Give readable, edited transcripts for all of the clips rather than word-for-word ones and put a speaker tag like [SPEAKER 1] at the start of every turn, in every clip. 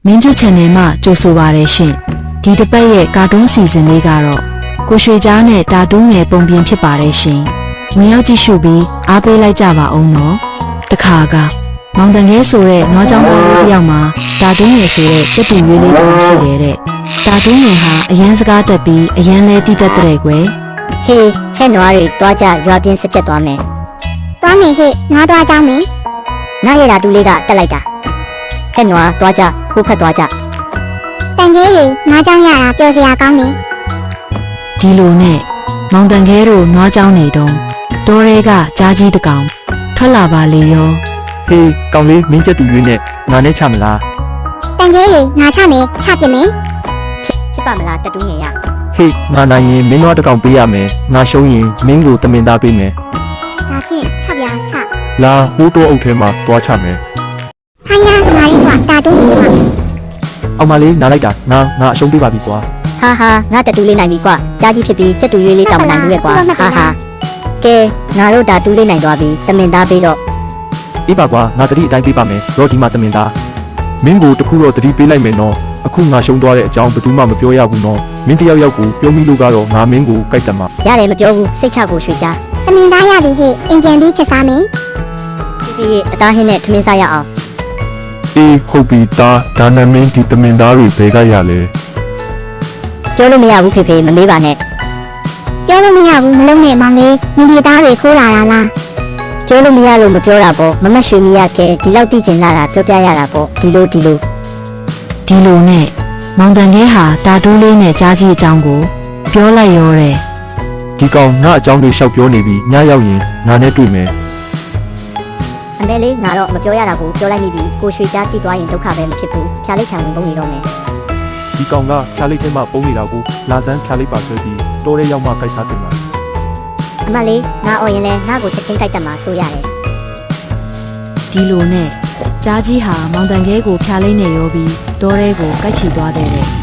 [SPEAKER 1] မင်းကျ channel မှာကြိုဆိုပါရရှင်ဒီတစ်ပတ်ရဲ့ကာတွန်းစီစဉ်လေးကတော့ကိုရွှေကြားနဲ့တာတူးငယ်ပုံပြင်ဖြစ်ပါတယ်ရှင်ဝင်ရောက်ကြည့်ရှုပြီးအားပေးလိုက်ကြပါအောင်နော်တခါကမောင်တန်ခဲဆိုတဲ့နွားချောင်းသားလေးတစ်ယောက်မှာတာတူးငယ်ဆိုတဲ့စက်တူရွေးလေးတစ်ခုရှိတယ်တဲ့တာတူးငယ်ဟာအရန်စကားတက်ပြီးအရန်လဲတိတက်တဲ့ကွယ်
[SPEAKER 2] ဟေးဟဲ့နွားတွေတွားကြရွာပြင်းစက်ချက်သွားမယ်
[SPEAKER 3] သွားမယ်ဟဲ့နွားသွားကြောင်းမယ်
[SPEAKER 2] ငါရတာတူလေးကတက်လိုက်တာဟဲ့နွားတွားကြဟိုဖက်တွားကြ
[SPEAKER 3] တန်ကြီးရေနွားကြောင်းရတာပျော်စရာကောင်းတယ်
[SPEAKER 1] ဒီလိုနဲ့မောင်တန်ခဲတို့နွားချောင်းနေတုန်းတောထဲကကြားကြီးတစ်ကောင်ထွက်လာပါလေရော
[SPEAKER 4] ဟေးကောင်လေးမင်းချက်တူရွေးနဲ့ငါနဲ့ချမလား
[SPEAKER 3] တန်ကြီးရေငါချမယ်ချပြမယ်
[SPEAKER 2] ဖြစ်ပါမလားတက်တူးငယ်ရ
[SPEAKER 4] ဟေးငါနိုင်ရင်မင်းတို့တစ်ကောင်ပေးရမယ်ငါရှုံးရင်မင်းကိုတမင်သားပေးမယ်
[SPEAKER 3] ဒါဖြင့်ချပြချ
[SPEAKER 4] လာဟိုးတော့အုပ်ထဲမှာတွားချမယ်
[SPEAKER 3] ဟာရငါလေးကတာတူးနေပါ
[SPEAKER 4] အောင်မလေးနားလိုက်တာငါအရှုံးပေးပါပြီကွာ
[SPEAKER 2] ဟာငါတက်တူးလေးနိုင်ပြီကွာကြားကြီးဖြစ်ပြီးချက်တူရွေးလေးတောင်းမနိုင်ဘူးလေကွာဟာကဲငါတို့တာတူးလေးနိုင်သွားပြီတမင်သားပေးတော့
[SPEAKER 4] အေးပါကွာငါတတိအတိုင်းပေးပါမယ်ရောဒီမှာတမင်သားမင်းကိုတခုတော့တတိပေးလိုက်မယ်နော်အခုငါရှုံးသွားတဲ့အကြောင်းဘယ်သူမှမပြောရဘူးနော်မင်းတယောက်ကိုပြောမိလို့ကတော့ငါမင်းကိုကြိုက်တယ်မှာ
[SPEAKER 2] ရတယ်မပြောဘူးစိတ်ချကိုရွှေချ
[SPEAKER 3] တမင်သားရပြီဟဲ့အင်ဂျင်ပြီးချက်စားမယ်
[SPEAKER 2] ဒီအသားဟင်းနဲ့ထမင်းစားရအောင်
[SPEAKER 4] အေးဟုတ်ပြီဒါနဲ့မင်းဒီတမင်သားတွေဘယ်ကရလဲ
[SPEAKER 2] ပြောလို့မရဘူးဖေမမေးပါနဲ့
[SPEAKER 3] ပြောလို့မရဘူးမလုံးနဲ့မောင်လေးမင်းဒီသားတွေခိုးလာတာလား
[SPEAKER 2] ပြောလို့မရလို့မပြောတာပေါ့မမရွှေမရခဲဒီလောက်သိကျင်လာတာပြောပြရတာပေါ့ဒီလို
[SPEAKER 1] နဲ့မောင်တန်ခဲဟာတာတူးလေးနဲ့ကြားကြီးအကြောင်းကိုပြောလိုက်ရောတယ်
[SPEAKER 4] ဒီကောင်ငါအကြောင်းတွေရှောက်ပြောနေပြီညရောက်ရင်ငါနဲ့တွေ့မယ်
[SPEAKER 2] အမေလေးငါတော့မပြောရတာကိုပြောလိုက်မိပြီကိုရွှေကြားတိသွားရင်ဒုက္ခပဲမဖြစ်ဘူးဖြားလိုက်ခံဝင်ပုံနေတော့မယ်
[SPEAKER 4] ဒီကောင်ကဖြားလိုက်ထဲမှာပုံနေတာကိုလာစမ်းဖြားလိုက်ပါဆွဲပြီးတိုးရဲရောက်မှခိုက်စားတင်ပါ
[SPEAKER 2] အမလေးငါအော်ရင်လဲငါ့ကိုချက်ချင်းကြိုက်တတ်မှာဆိုရတယ်
[SPEAKER 1] ဒီလိုနဲ့ကြားကြီးဟာမောင်တန်ခဲကိုဖြားလိုက်နေရောပြီးတောထဲကိုကိုက်ချီသွားတယ်တဲ့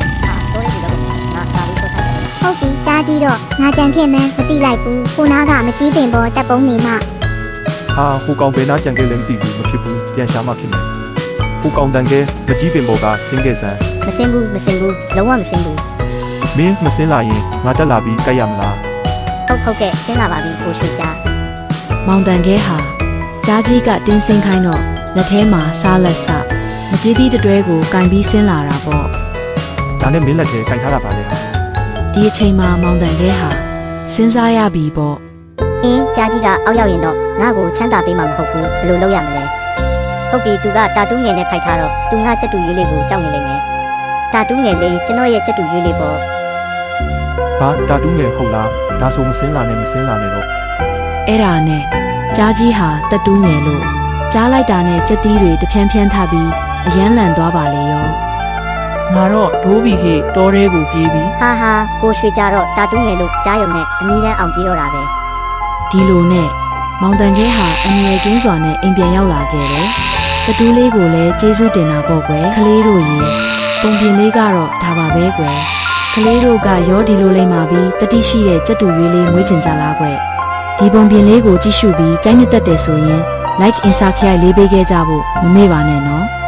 [SPEAKER 3] ဟုတ်ပြီကြားကြီးတော့ငါကြံခဲ့မှန်းမသိလိုက်ဘူးကိုနာကမကြီးပင်ပေါ်တက်ပုံးနေမှ
[SPEAKER 4] ဟိုကောင်ဘယ်နာကြံခဲ့လဲမသိဘူးမဖြစ်ဘူးပြန်ရှာမှဖြစ်မယ်ဟိုကောင်တန်ခဲမကြီးပင်ပေါ်ကဆင်းခဲ့စမ်း
[SPEAKER 2] မဆင်းဘူးလုံးဝမဆင်းဘူး
[SPEAKER 4] မင်းမဆင်းလာရင်ငါတက်လာပြီးကြိုက်ရမလား
[SPEAKER 2] ဟုတ်ကဲ့ဆင်းလာပါပြီကိုရွှေကြား
[SPEAKER 1] မောင်တန်ခဲဟာကြားကြီးကတင်းဆင်းခိုင်းတော့လက်ထဲမှာစားလက်စမကြီးသီးတွဲကိုကင်ပြီးဆင်းလာတာပေါ့
[SPEAKER 4] ဒါနဲ့မင်းလက်ထဲကင်ထားတာပါလေ
[SPEAKER 1] ဒီအချိန်မှာမောင်တန်ခဲဟာစဉ်းစားရပြီပေါ့
[SPEAKER 2] ကြားကြီးကအောက်ရောက်ရင်တော့ငါ့ကိုချမ်းသာပေးမှာမဟုတ်ဘူးဘယ်လိုလုပ်ရမလဲဟုတ်ပြီသူကတာတူးငယ်နဲ့ဖိုက်ထားတော့သူငါချက်တူရွေးလေးကိုကြောက်နေလိမ့်မယ်တာတူးငယ်လေးကျွန်တော်ရဲ့ချက်တူရွေးလေးပေါ့
[SPEAKER 4] ဘာတာတူးငယ်ဟုတ်လားဒါဆိုမစင်းလာနဲ့တော့
[SPEAKER 1] အဲ့ဒါနဲ့ကြားကြီးဟာတက်တူးငယ်လို့ကြားလိုက်တာနဲ့ကြက်တီးတွေတဖြန်းဖြန်းထပြီးအယမ်းလန့်သွားပါလေရော
[SPEAKER 4] ငါတော့ဒိုးပြီဟေ့တောထဲကိုပြေးပြီ
[SPEAKER 2] ဟာကိုရွှေကြတော့တာတူးငယ်လို့ကြားရုံနဲ့အမီးတန်းအောင်ပြေးတော့တာပဲ
[SPEAKER 1] ဒီလိုနဲ့မောင်တန်ခဲဟာအငြယ်ကင်းစွာနဲ့အိမ်ပြန်ရောက်လာခဲ့တယ်။ကတူးလေးကိုလည်းကျေးဇူးတင်တာပေါ့ကွယ်။ကလေးတို့ရေပုံပြင်လေးကတော့ဒါပါပဲကွယ်။ကလေးတို့ကရောဒီလိုလိမ့်မှာပြီးတတိရှိတဲ့ကြက်တူရွေးလေးမွေးချင်ကြလားကွယ်။ဒီပုံပြင်လေးကိုကြည့်ရှုပြီးကြိုက်နှစ်သက်တယ်ဆိုရင် like and subscribe လေးပေးခဲ့ကြဖို့မမေ့ပါနဲ့နော်။